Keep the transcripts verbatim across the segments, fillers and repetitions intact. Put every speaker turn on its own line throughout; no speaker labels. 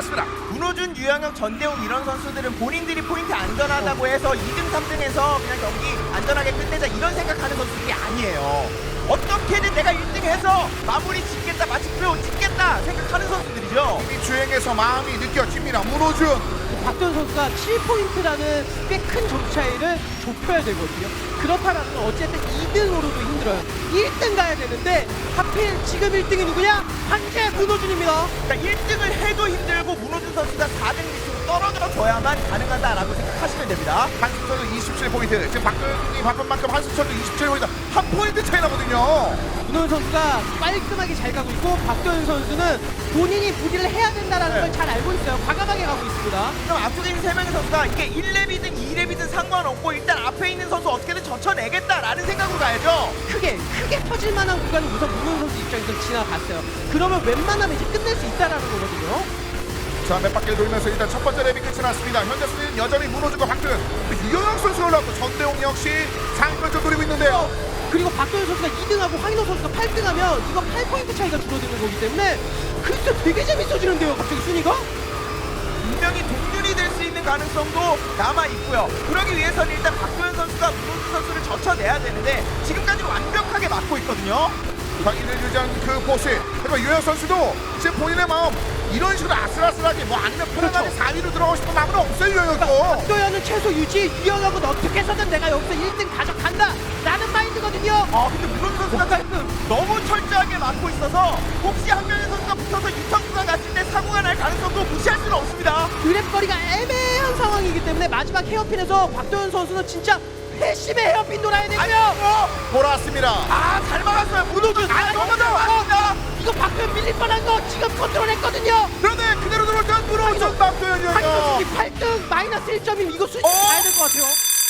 출발했습니다.
문호준, 유영혁, 전대웅 이런 선수들은 본인들이 포인트 안전하다고 해서 이 등, 삼 등에서 그냥 경기 안전하게 끝내자 이런 생각하는 선수들이 아니에요. 어떻게든 내가 일 등 해서 마무리 짓겠다, 마침표 짓겠다 생각하는 선수들이죠.
이미 주행에서 마음이 느껴집니다. 문호준.
박도현 선수가 칠 포인트라는 꽤 큰 점 차이를 좁혀야 되거든요. 그렇다면 어쨌든 이 등으로도 힘들어요. 일 등 가야 되는데 하필 지금 일 등이 누구냐? 한재 문호준입니다.
그러니까 일 등을 해도 힘들고 문호준 선수가 사 등 밑으로 떨어져줘야만 가능하다라고 생각하시면 됩니다.
한승철도 이십칠 포인트. 지금 박도현이 바쁜 만큼 한승철도 이십칠 포인트. 한 포인트 차이 나거든요.
문호준 선수가 깔끔하게 잘 가고 있고 박도현 선수는 본인이 무리를 해야 된다는
네.
걸 잘 알고 있어요. 과감하게 가고 있습니다.
그럼 앞쪽에 있는 세 명의 선수가 이게 일 렙이든 이 렙이든 상관없고 일단 앞에 있는 선수 어떻게든 젖혀내겠다라는 생각으로 가야죠.
크게 크게 터질 만한 구간을 우선 문호준 선수 입장에서 지나갔어요. 그러면 웬만하면 이제 끝낼 수 있다라는 거거든요.
자, 몇 바퀴를 돌면서 일단 첫 번째 랩이 끝이 났습니다. 현재 순위는 여전히 문호준과 박도현. 유영혁 선수가 올라왔고 전대웅 역시 상위권을 노리고 있는데요.
그리고 박도현 선수가 이 등하고 황인호 선수가 팔 등하면 이거 팔 포인트 차이가 줄어드는 거기 때문에 글쎄 되게 재밌어지는데요. 갑자기 순위가?
분명히 동률이 될 수 있는 가능성도 남아 있고요. 그러기 위해서는 일단 박도현 선수가 문호준 선수를 젖혀내야 되는데 지금까지 완벽하게 막고 있거든요.
경기를 유지한 그 포스. 그리고 유영혁 선수도 지금 본인의 마음 이런 식으로 아슬아슬하게 뭐 아니면 편안하게
그렇죠.
사 위로 들어가고 싶은 마음은 없어요. 유영혁도.
박도현은 최소 유지, 유영혁은 어떻게 해서든 내가 여기서 일 등 가져간다 라는 마인드거든요.
아 근데 문호준 선수가 지금 너무 철저하게 막고 있어서 혹시 한 명의 선수가 붙어서 유턴 구간 갔을 때 사고가 날 가능성도 무시할 수는 없습니다.
드랩거리가 애매한 상황이기 때문에 마지막 헤어핀에서 박도현 선수는 진짜 회심의 헤어핀 돌아야 되고요.
아이고!
돌아왔습니다.
아, 잘 막았어요. 문호준. 아, 너무 잘 막았습니다.
이거 박도현 밀릴 뻔한 거 지금 컨트롤했거든요.
그런데 그대로 들어올 때 문호준 박도현 유영혁.
한국이 팔 등 마이너스 일 점이면 이거 수준
어?
가야 될 것 같아요.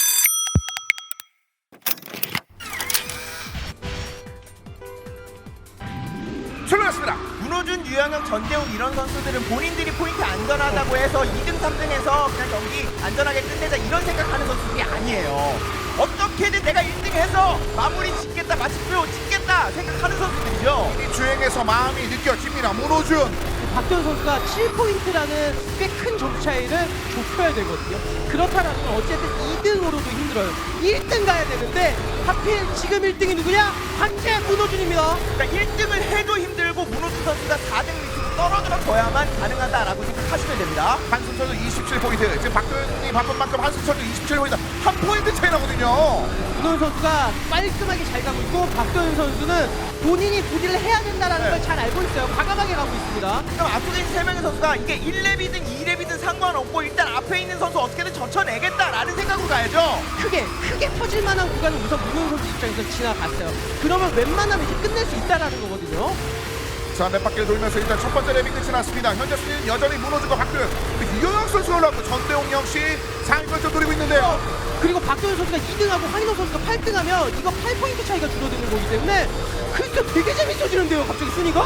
출발했습니다.
문호준, 유영혁, 전대웅 이런 선수들은 본인들이 포인트 안전하다고 해서 이 등, 삼 등에서 그냥 경기 안전하게 끝내자 이런 생각하는 선수들이 아니에요. 어떻게든 내가 일 등 해서 마무리 짓겠다, 마침표 짓겠다 생각하는 선수들이죠.
이미 주행에서 마음이 느껴집니다. 문호준.
박도현 선수가 칠 포인트라는 꽤 큰 점 차이를 좁혀야 되거든요. 그렇다면 어쨌든 이 등으로도 힘들어요. 일 등 가야 되는데 하필 지금 일 등이 누구냐? 한재 문호준입니다.
그러니까 일 등을 해도 힘들고 문호준 선수가 사 등 밑으로 떨어져줘야만 가능하다라고 생각하시면 됩니다.
한승철도 이십칠 포인트. 지금 박도현이 바쁜 만큼 한승철도 이십칠 포인트. 한 포인트 차이 나거든요.
문호준 선수가 깔끔하게 잘 가고 있고 박도현 선수는 본인이 무리를 해야 된다는
네.
걸 잘 알고 있어요. 과감하게 가고 있습니다.
그럼 앞쪽에 있는 세 명의 선수가 이게 일 렙이든 이 렙이든 상관없고 일단 앞에 있는 선수 어떻게든 젖혀내겠다라는 생각으로 가야죠.
크게 크게 터질 만한 구간을 우선 문호준 선수 입장에서 지나갔어요. 그러면 웬만하면 이제 끝낼 수 있다라는 거거든요.
자, 몇 바퀴를 돌면서 일단 첫 번째 랩이 끝이 났습니다. 현재 순위는 여전히 문호준과 박도현. 유영혁 선수가 올라왔고 전대웅 역시 상위권을 노리고 있는데요.
그리고 박도현 선수가 이 등하고 황인호 선수가 팔 등하면 이거 팔 포인트 차이가 줄어드는 거기 때문에 글쎄 되게 재밌어지는데요. 갑자기 순위가?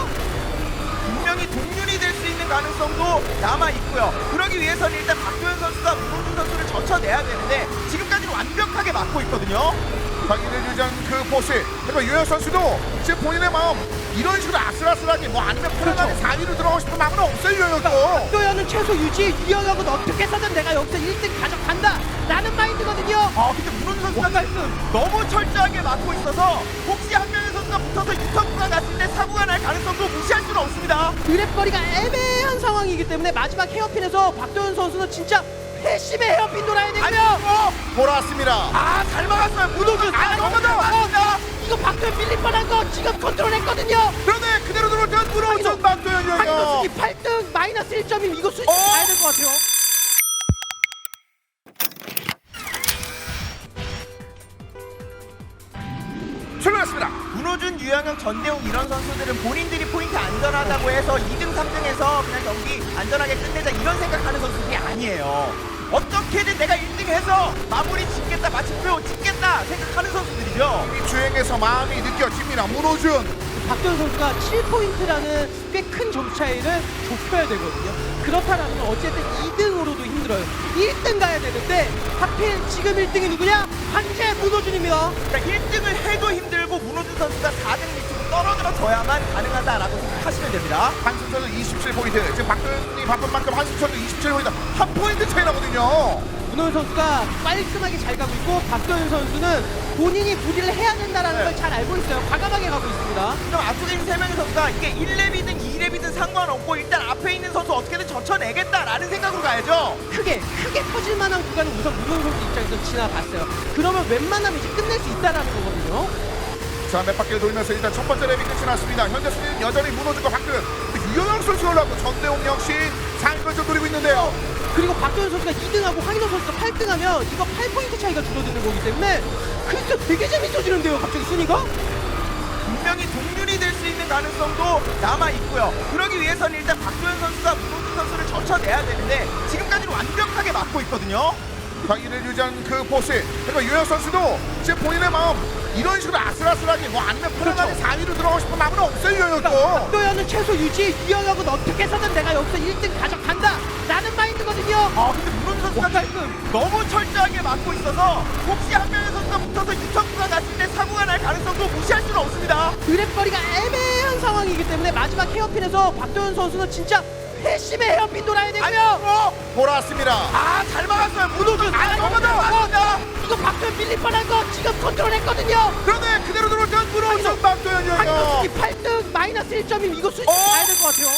분명히 동률이 될 수 있는 가능성도 남아 있고요. 그러기 위해서는 일단 박도현 선수가 문호준 선수를 젖혀내야 되는데 지금까지는 완벽하게 막고 있거든요.
경기를 유지한 그 포스. 그리고 유영혁 선수도 지금 본인의 마음 이런 식으로 아슬아슬하게 뭐 아니면 편안하게
그렇죠.
사 위로 들어가고 싶은 마음은 없어요. 유영혁도.
박도현은 최소 유지, 유영혁은 어떻게 해서든 내가 여기서 일 등 가져간다 라는 마인드거든요.
아 근데 문호준 선수가 지금 너무 철저하게 막고 있어서 혹시 한 명의 선수가 붙어서 유턴 구간 갔을 때 사고가 날 가능성도 무시할 수는 없습니다.
드랩거리가 애매한 상황이기 때문에 마지막 헤어핀에서 박도현 선수는 진짜 회심의 헤어핀 돌아야 되고요.
아이고!
돌아왔습니다.
아, 잘 막았어요. 문호준. 아, 너무 잘 막았습니다.
이거 박도현 밀릴 뻔한 거 지금 컨트롤했거든요.
그런데 그대로 들어올 때 문호준 박도현 유영혁.
한국이 팔 등 마이너스 일 점이면 이거 수준
어?
가야 될 것 같아요.
출발했습니다.
문호준, 유영혁, 전대웅 이런 선수들은 본인들이 포인트 안전하다고 해서 이 등, 삼 등에서 그냥 경기 안전하게 끝내자 이런 생각하는 선수들이 아니에요. 어떻게든 내가 일 등 해서 마무리 짓겠다, 마침표 짓겠다 생각하는 선수들이죠.
이미 주행에서 마음이 느껴집니다. 문호준.
박도현 선수가 칠 포인트라는 꽤 큰 점 차이를 좁혀야 되거든요. 그렇다면 어쨌든 이 등으로도 힘들어요. 일 등 가야 되는데 하필 지금 일 등이 누구냐? 한재 문호준입니다.
그러니까 일 등을 해도 힘들고 문호준 선수가 사 등 밑으로 떨어져야만 가능하다라고 생각하시면 됩니다.
한승철은 이십칠 포인트. 지금 박도현이 바쁜 만큼 한승철도 이십칠 포인트. 한 포인트 차이 나거든요.
문호준 선수가 깔끔하게 잘 가고 있고 박도현 선수는 본인이 부디를 해야 된다는
네.
걸 잘 알고 있어요. 과감하게 가고 있습니다.
그럼 앞쪽에 있는 세 명의 선수가 이게 일 렙이든 이 렙이든 상관없고 일단 앞에 있는 선수 어떻게든 젖혀내겠다라는 생각으로 가야죠.
크게 크게 터질 만한 구간은 우선 문호준 선수 입장에서 지나갔어요. 그러면 웬만하면 이제 끝낼 수 있다라는 거거든요.
자, 몇 바퀴를 돌면서 일단 첫 번째 랩이 끝이 났습니다. 현재 순위는 여전히 문호준과 박도현. 유영혁 선수가 올라왔고 전대웅 역시 상위권을 노리고 있는데요.
그리고 박도현 선수가 이 등하고 황인호 선수가 팔 등하면 이거 팔 포인트 차이가 줄어드는 거기 때문에 글쎄 되게 재밌어지는데요. 갑자기 순위가?
분명히 동률이 될 수 있는 가능성도 남아 있고요. 그러기 위해서는 일단 박도현 선수가 문호준 선수를 젖혀내야 되는데 지금까지는 완벽하게 막고 있거든요.
자기를 유지한 그 포스. 그리고 유영혁 선수도 지금 본인의 마음 이런 식으로 아슬아슬하게 뭐 아니면 편안하게
그렇죠.
사 위로 들어가고 싶은 마음은 없어요, 유영혁도.
박도현은 최소 유지, 유영혁은 어떻게 해서든 내가 여기서 일 등 가져간다 라는 마인드거든요.
아 근데 문호준 선수가 지금 너무 철저하게 막고 있어서 혹시 한 명의 선수가 붙어서 유턴구가 갔을 때 사고가 날 가능성도 무시할 수는 없습니다.
드랩거리가 애매한 상황이기 때문에 마지막 헤어핀에서 박도현 선수는 진짜 회심의 헤어핀 돌아야 되고요.
아이고,
돌아왔습니다.
아, 잘 막았어요. 문호준. 아, 넘어져. 맞습니다.
이거 박도현 밀릴 뻔한 거 지금 컨트롤했거든요.
그런데 그대로 들어올 땐 문호준 박도현 유영혁.
한국이 팔 등 마이너스 일 점이면 이거 수준
어?
가야 될 것 같아요.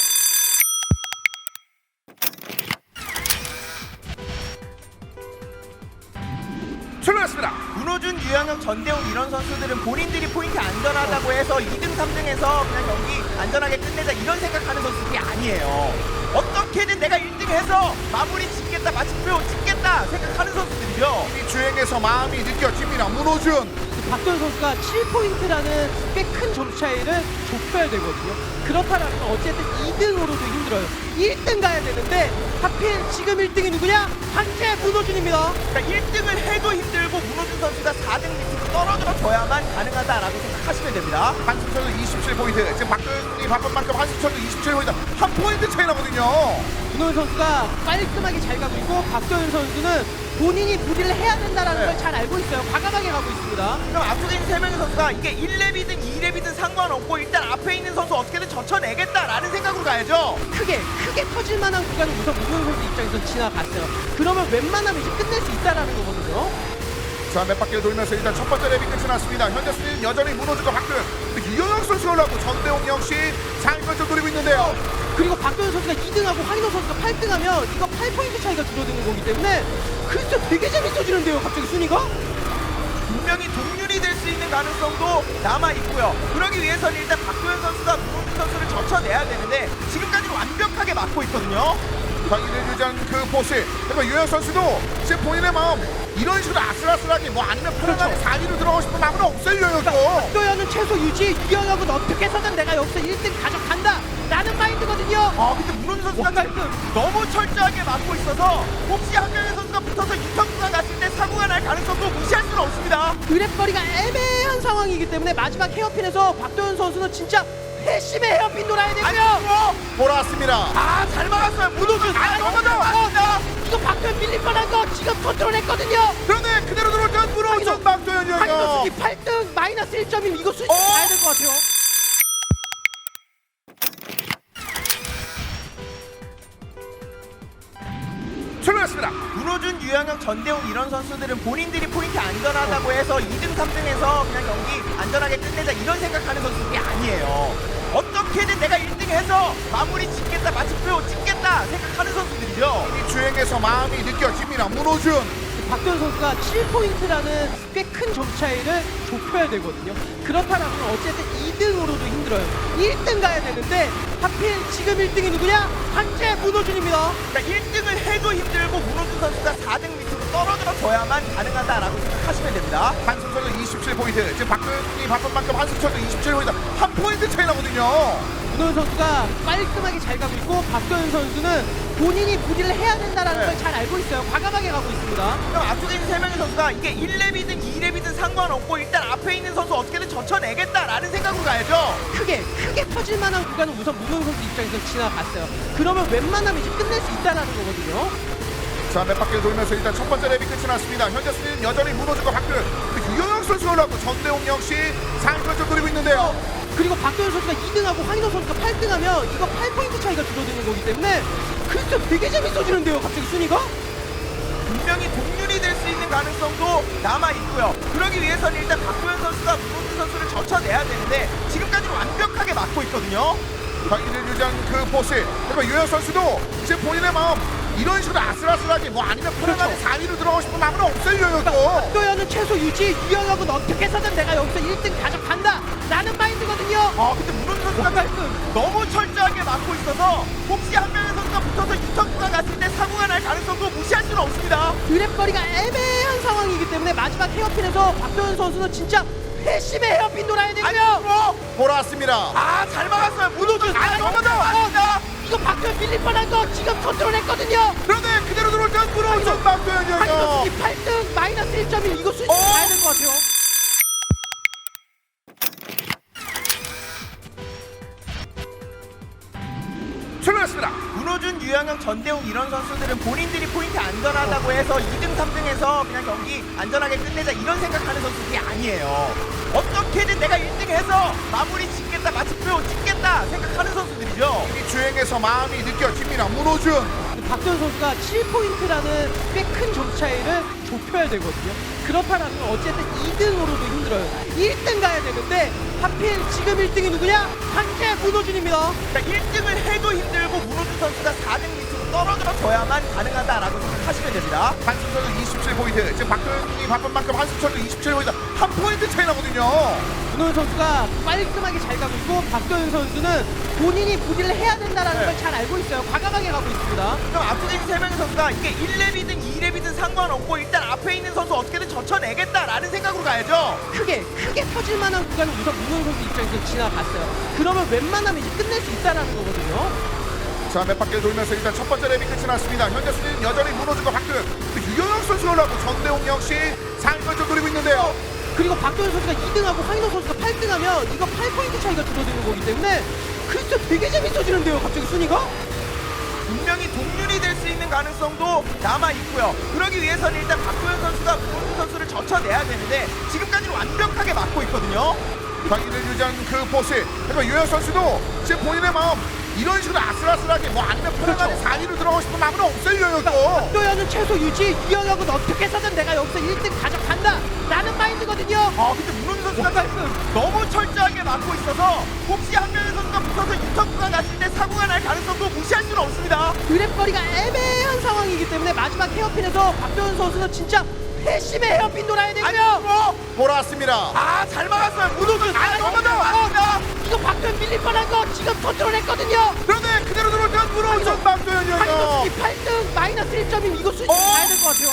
출발했습니다.
문호준, 유영혁, 전대웅 이런 선수들은 본인들이 포인트 안전하다고 해서 이 등, 삼 등에서 그냥 경기 안전하게 끝내자 이런 생각하는 선수들이 아니에요. 어떻게든 내가 일 등 해서 마무리 짓겠다, 마침표 짓겠다 생각하는 선수들이죠.
이 주행에서 마음이 느껴집니다. 문호준.
박도현 선수가 칠 포인트라는 꽤 큰 점 차이를 좁혀야 되거든요. 그렇다면 어쨌든 이 등으로도 힘들어요. 일 등 가야 되는데 하필 지금 일 등이 누구냐? 한재 문호준입니다.
그러니까 일 등을 해도 힘들고 문호준 선수가 사 등 밑으로 떨어져줘야만 가능하다라고 생각하시면 됩니다.
한승철은 이십칠 포인트. 지금 박도현이 바쁜 만큼 한승철도 이십칠 포인트. 한 포인트 차이 나거든요.
문호준 선수가 깔끔하게 잘 가고 있고 박도현 선수는 본인이 부디를 해야 된다는
네.
걸 잘 알고 있어요. 과감하게 가고 있습니다.
그럼 앞쪽에 있는 세 명의 선수가 이게 일 렙이든 이 렙이든 상관없고 일단 앞에 있는 선수 어떻게든 젖혀내겠다라는 생각으로 가야죠.
크게 크게 터질 만한 구간은 우선 문호준 선수 입장에서 지나갔어요. 그러면 웬만하면 이제 끝낼 수 있다라는 거거든요.
자, 몇 바퀴를 돌면서 일단 첫 번째 랩이 끝이 났습니다. 현재 순위는 여전히 문호준과 박도현. 유영혁 선수가 올라왔고 전대웅 역시 상위권을 노리고 있는데요.
그리고 박도현 선수가 이 등하고 황인호 선수가 팔 등하면 이거 팔 포인트 차이가 줄어드는 거기 때문에 글쎄 되게 재밌어지는데요. 갑자기 순위가?
분명히 동률이 될 수 있는 가능성도 남아 있고요. 그러기 위해서는 일단 박도현 선수가 문호준 선수를 젖혀내야 되는데 지금까지는 완벽하게 막고 있거든요.
자기를 유지한 그 포스. 그리고 유영혁 선수도 지금 본인의 마음 이런 식으로 아슬아슬하게 뭐 아니면 편안하게
그렇죠.
사 위로 들어가고 싶은 마음은 없어요, 유영혁도.
박도현은 최소 유지, 유영혁은 어떻게 해서든 내가 여기서 일 등 가져간다 라는 마인드거든요.
아 근데 문호준 선수가 지금 너무 철저하게 막고 있어서 혹시 한 명의 선수가 붙어서 유턴구가 갔을 때 사고가 날 가능성도 무시할 수는 없습니다.
드랩거리가 애매한 상황이기 때문에 마지막 헤어핀에서 박도현 선수는 진짜 회심의 헤어핀 돌아야 되고요.
아이고,
돌아왔습니다.
아, 잘 막았어요. 문호준. 아, 넘어져. 맞습니다.
이거 박도현 밀릴 뻔한 거 지금 컨트롤했거든요.
그런데 그대로 들어올 땐 문호준 박도현
황인호
유영혁.
승기 팔 등 마이너스 일 점이면 이거 수준
어?
가야 될 것 같아요.
출발했습니다.
문호준, 유영혁, 전대웅 이런 선수들은 본인들이 포인트 안전하다고 해서 이 등, 삼 등에서 그냥 경기 안전하게 끝내자 이런 생각하는 선수들이 아니에요. 어떻게든 내가 일 등 해서 마무리 짓겠다, 마침표 짓겠다 생각하는 선수들이죠.
이 주행에서 마음이 느껴집니다. 문호준.
박도현 선수가 칠 포인트라는 꽤 큰 점 차이를 좁혀야 되거든요. 그렇다면 어쨌든 이 등으로도 힘들어요. 일 등 가야 되는데 하필 지금 일 등이 누구냐? 한재 문호준입니다.
그러니까 일 등을 해도 힘들고 문호준 선수가 사 등 밑으로 떨어져줘야만 가능하다라고 생각하시면 됩니다.
한승철은 이십칠 포인트. 지금 박도현이 바쁜 만큼 한승철도 이십칠 포인트. 한 포인트 차이 나거든요.
문호준 선수가 깔끔하게 잘 가고 있고 박도현 선수는 본인이 부디를 해야 된다는
네.
걸 잘 알고 있어요. 과감하게 가고 있습니다.
그럼 앞쪽에 있는 세 명의 선수가 이게 일 렙이든 이 렙이든 상관없고 일단 앞에 있는 선수 어떻게든 젖혀내겠다라는 생각으로 가야죠.
크게 크게 터질 만한 구간은 우선 문호준 선수 입장에서 지나갔어요. 그러면 웬만하면 이제 끝낼 수 있다는 거거든요.
자, 몇 바퀴를 돌면서 일단 첫 번째 랩이 끝이 났습니다. 현재 순위는 여전히 문호준과 박도현. 유영혁 선수가 올라왔고 전대웅 역시 상위권을 노리고 있는데요.
그리고 박도현 선수가 이 등하고 황인호 선수가 팔 등하면 이거 팔 포인트 차이가 줄어드는 거기 때문에 글쎄 되게 재밌어지는데요 갑자기 순위가?
분명히 동률이 될 수 있는 가능성도 남아 있고요. 그러기 위해서는 일단 박도현 선수가 문호준 선수를 젖혀내야 되는데 지금까지는 완벽하게 막고 있거든요.
경기를 유지한 그 포스. 그리고 유현 선수도 지금 본인의 마음 이런 식으로 아슬아슬하게 뭐 아니면 편안하게
그렇죠.
사 위로 들어가고 싶은 마음은 없어요 유현도.
박도현은 최소 유지, 유영하고는 어떻게 해서든 내가 여기서 일 등 가져간다 라는 마인드거든요.
아 근데 문호준 선수가
깔끔.
너무 철저하게 막고 있어서 혹시 한 명의 선수가 붙어서 유턴 구간 갔을 때 사고가 날 가능성도 무시할 수는 없습니다.
드랩거리가 애매한 상황이기 때문에 마지막 헤어핀에서 박도현 선수는 진짜 회심의 헤어핀 돌아야 되고요.
아이고
돌아왔습니다.
아잘 막았어요. 문호준
아,
아 너무 더 왔습니다.
이거 박도현 밀릴 뻔한 거 지금 컨트롤했거든요.
그런데 그대로 들어올 땐 문호준 박도현
황인호
유현.
순위 팔 등 마이너스 일 점 일 이거 순위
어?
가야 될 것 같아요.
출발했습니다.
문호준, 유영영, 전대웅 이런 선수들은 본인들이 포인트 안전하다고 해서 이 등, 삼 등에서 그냥 경기 안전하게 끝내자 이런 생각하는 선수들이 아니에요. 어떻게든 내가 일 등 해서 마무리 짓겠다, 마침표 찍겠다 생각하는 선수들이죠.
이 주행에서 마음이 느껴집니다. 문호준.
박도현 선수가 칠 포인트라는 꽤 큰 점 차이를 좁혀야 되거든요. 그렇다면 어쨌든 이 등으로도 힘들어요. 일 등 가야 되는데 하필 지금 일 등이 누구냐? 한재 문호준입니다.
그러니까 일 등을 해도 힘들고 문호준 선수가 사 등 밑으로 떨어져줘야만 가능하다라고 생각하시면 됩니다.
한승철은 이십칠 포인트. 지금 박도현이 바쁜 만큼 한승철도 이십칠 포인트. 한 포인트 차이 나거든요.
문호준 선수가 깔끔하게 잘 가고 있고 박도현 선수는 본인이 부디를 해야 된다는
네.
걸 잘 알고 있어요. 과감하게 가고 있습니다.
그럼 앞쪽에 있는 세 명의 선수가 이게 일 렙이든 이 렙이든 상관없고 일단 앞에 있는 선수 어떻게든 젖혀내겠다라는 생각으로 가야죠.
크게 크게 터질 만한 구간을 우선 문호준 선수 입장에서 지나갔어요. 그러면 웬만하면 이제 끝낼 수 있다라는 거거든요.
자, 몇 바퀴를 돌면서 일단 첫 번째 랩이 끝이 났습니다. 현재 순위는 여전히 문호준과 박도현. 유영혁 선수가 올라왔고 전대웅 역시 상위권 좀 노리고 있는데요.
그리고 박도현 선수가 이 등하고 황인호 선수가 팔 등하면 이거 팔 포인트 차이가 줄어드는 거기 때문에 글쎄 되게 재밌어지는데요 갑자기 순위가?
분명히 동률이 될 수 있는 가능성도 남아 있고요. 그러기 위해서는 일단 박도현 선수가 문호준 선수를 젖혀내야 되는데 지금까지는 완벽하게 막고 있거든요.
경기를 유지한 그 포스. 그리고 유현 선수도 지금 본인의 마음 이런 식으로 아슬아슬하게 뭐 아니면 편안하게
그렇죠.
사 위로 들어가고 싶은 마음은 없어요 유현도.
박도현은 최소 유지, 유영하고는 어떻게 해서든 내가 여기서 일 등 가져간다 라는 마인드거든요.
아 근데 문호준 선수가
깔끔.
너무 철저하게 막고 있어서 혹시 한 명의 선수가 붙어서 유턴 구간 갔을 때 사고가 날 가능성도 무시할 수는 없습니다.
드랩거리가 애매한 상황이기 때문에 마지막 헤어핀에서 박도현 선수는 진짜 회심의 헤어핀 돌아야 되고요.
아이고
돌아왔습니다.
아잘 막았어요. 문호준 아 너무 더 왔습니다.
이거 박도현 밀릴 뻔한 거 지금 컨트롤했거든요.
그런데 그대로 들어올 땐 문호준 박도현
황인호
유현.
순위 팔 등 마이너스 일 점 일 이거 순위
어?
가야 될 것 같아요.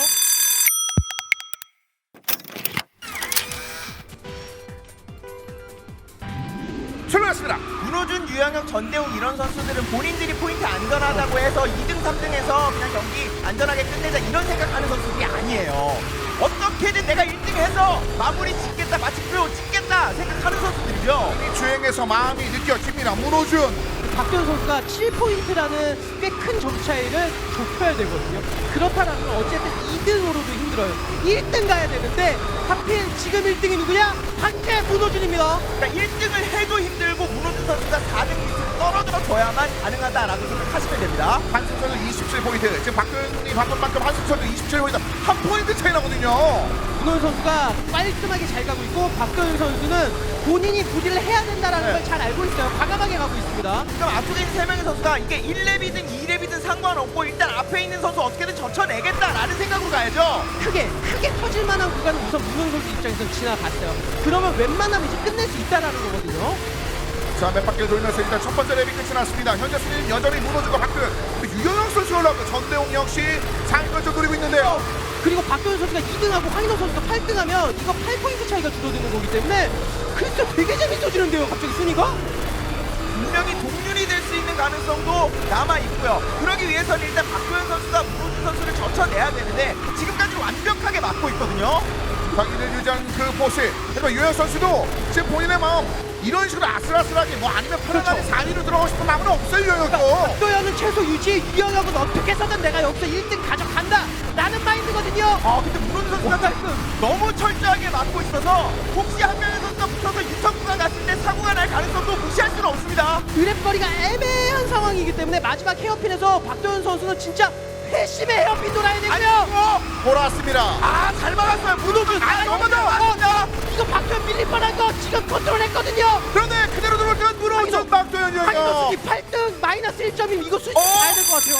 출발했습니다.
문호준, 유영혁, 전대웅 이런 선수들은 본인들이 포인트 안전하다고 해서 이 등, 삼 등에서 그냥 경기 안전하게 끝내자 이런 생각하는 선수들이 아니에요. 어떻게든 내가 일 등 해서 마무리 짓겠다, 마침표 찍겠다 생각하는 선수들이죠.
이 주행에서 마음이 느껴집니다. 문호준.
박도현 선수가 칠 포인트라는 꽤 큰 점 차이를 좁혀야 되거든요. 그렇다면 어쨌든 이 등으로도 힘들어요. 일 등 가야 되는데 하필 지금 일 등이 누구냐? 한재 문호준입니다.
그러니까 일 등을 해도 힘들고 문호준 선수가 사 등 밑으로 떨어져줘야만 가능하다라고 생각하시면 됩니다.
한승철은 이십칠 포인트. 지금 박도현이 바쁜 만큼 한승철도 이십칠 포인트. 한 포인트 차이 나거든요.
문호준 선수가 깔끔하게 잘 가고 있고 박도현 선수는 본인이 부디를 해야 된다는
네.
걸 잘 알고 있어요. 과감하게 가고 있습니다.
그럼 앞쪽에 있는 세 명의 선수가 이게 일 렙이든 이 렙이든 상관없고 일단 앞에 있는 선수 어떻게든 젖혀내겠다라는 생각으로 가야죠.
크게 크게 터질 만한 구간을 우선 문호준 선수 입장에서 지나갔어요. 그러면 웬만하면 이제 끝낼 수 있다라는 거거든요.
자, 몇 바퀴를 돌면서 일단 첫 번째 랩이 끝이 났습니다. 현재 순위는 여전히 문호준과 박도현. 유영혁 선수가 올라왔고 전대웅 역시 상위권 좀 노리고 있는데요.
그리고 박도현 선수가 이 등하고 황인호 선수가 팔 등하면 이거 팔 포인트 차이가 줄어드는 거기 때문에 글쎄 되게 재밌어지는데요 갑자기 순위가?
분명히 동률이 될 수 있는 가능성도 남아 있고요. 그러기 위해서는 일단 박도현 선수가 문호준 선수를 젖혀내야 되는데 지금까지는 완벽하게 막고 있거든요.
경기를 유지한 그 포스. 그리고 유현 선수도 지금 본인의 마음 이런 식으로 아슬아슬하게 뭐 아니면 편안하게
그렇죠.
사 위로 들어가고 싶은 마음은 없어요 유현도.
박도현은 최소 유지, 유영하고는 어떻게 해서든 내가 여기서 일 등 가져간다 라는 마인드거든요.
아 근데 문호준 선수가
깔끔.
너무 철저하게 막고 있어서 혹시 한 명의 선수가 붙어서 붙어서 유턴 구간 갔을 때 사고가 날 가능성도 무시할 수는 없습니다.
드랩거리가 애매한 상황이기 때문에 마지막 헤어핀에서 박도현 선수는 진짜 회심의 헤어핀 돌아야 되고요.
아이고,
돌아왔습니다.
아, 잘 막았어요. 문호준. 아, 너무 나왔습니다.
이거 박도현 밀릴 뻔한 거 지금 컨트롤했거든요.
그런데 그대로 들어올 땐 문호준
한기석
박도현이에요.
수비 팔 등 마이너스 일 점이면 이거 수준
어?
가야 될 것 같아요.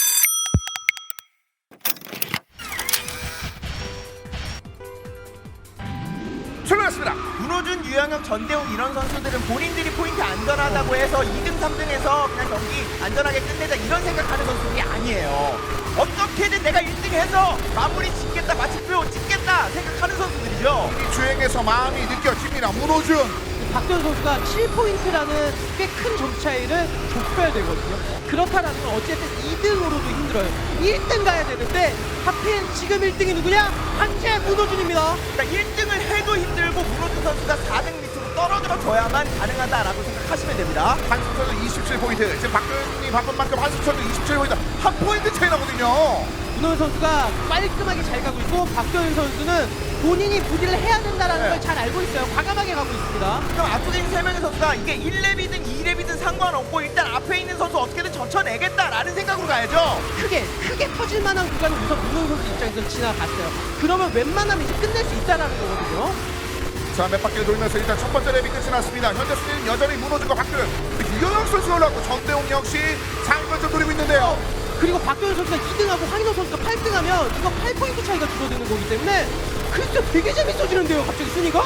출발했습니다.
문호준, 유영혁, 전대웅 이런 선수들은 본인들이 포인트 안전하다고 해서 이 등, 삼 등에서 그냥 경기 안전하게 끝내자 이런 생각하는 선수들이 아니에요. 어떻게든 내가 일 등 해서 마무리 짓겠다, 마침표 찍겠다 생각하는 선수들이죠.
이 주행에서 마음이 느껴집니다. 문호준.
박도현 선수가 칠 포인트라는 꽤 큰 점 차이를 좁혀야 되거든요. 그렇다라는 건 어쨌든 이 등으로도 힘들어요. 일 등 가야 되는데 하필 지금 일 등이 누구냐? 한재 문호준입니다.
그러니까 일 등을 해도 힘들고 문호준 선수가 사 등 밑으로 떨어져 줘야만 가능하다라고 생각하시면 됩니다.
한승철도 이십칠 포인트. 지금 박도현이 바쁜 만큼 한승철도 이십칠 포인트. 한 포인트 차이 나거든요.
문호준 선수가 깔끔하게 잘 가고 있고 박도현 선수는 본인이 부디를 해야 된다라는
네.
걸 잘 알고 있어요. 과감하게 가고 있습니다.
그럼 앞쪽에 있는 세 명의 선수가 이게 일 렙이든 이 렙이든 상관없고 일단 앞에 있는 선수 어떻게든 젖혀내겠다라는 생각으로 가야죠.
크게 크게 터질 만한 구간을 우선 문호준 선수 입장에서 지나갔어요. 그러면 웬만하면 이제 끝낼 수 있다라는 거거든요.
자, 몇 바퀴를 돌면서 일단 첫 번째 랩이 끝이 났습니다. 현재 순위는 여전히 문호준과 박도현. 유영혁 선수가 올라왔고 전대웅 역시 상위권을 노리고 있는데요.
그리고 박도현 선수가 이 등하고 황인호 선수가 팔 등하면 이거 팔 포인트 차이가 줄어드는 거기 때문에 글쎄 되게 재밌어지는데요. 갑자기 순위가?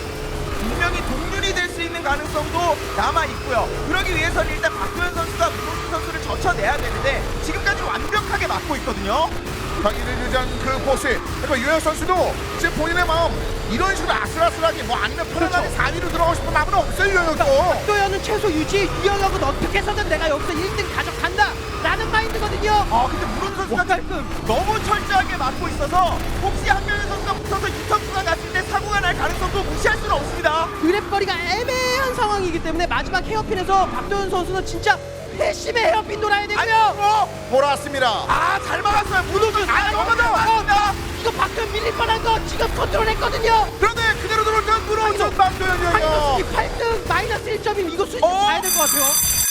분명히 동률이 될 수 있는 가능성도 남아 있고요. 그러기 위해서는 일단 박도현 선수가 문호준 선수를 젖혀내야 되는데 지금까지 완벽하게 막고 있거든요.
경기를 유지한 그 포스. 그리고 유영혁 선수도 지금 본인의 마음 이런 식으로 아슬아슬하게 뭐 아니면 편안하게
그렇죠.
사 위로 들어가고 싶은 마음은 없어요. 유영혁도.
박도현은 최소 유지, 유영혁은 어떻게 해서든 내가 여기서 일 등 가져간다 라는 마인드거든요.
아 근데 문호준 선수가
와, 깔끔.
너무 철저하게 막고 있어서 혹시 한 명의 선수가 붙어서 유턴 구간 갔을 때 사고가 날 가능성도 무시할 수는 없습니다.
드랩거리가 애매한 상황이기 때문에 마지막 헤어핀에서 박도현 선수는 진짜 회심의 헤어핀 돌아야 되고요.
아이고,
돌아왔습니다.
아, 잘 막았어요. 문호준. 아, 너무 나왔습니다.
이거 박도현 밀릴 뻔한 거 지금 컨트롤했거든요.
그런데 그대로 들어올 땐 문호준
한기석
박도현이에요.
수비 팔 등 마이너스 일 점이면 이거 수준
어?
가야 될 것 같아요.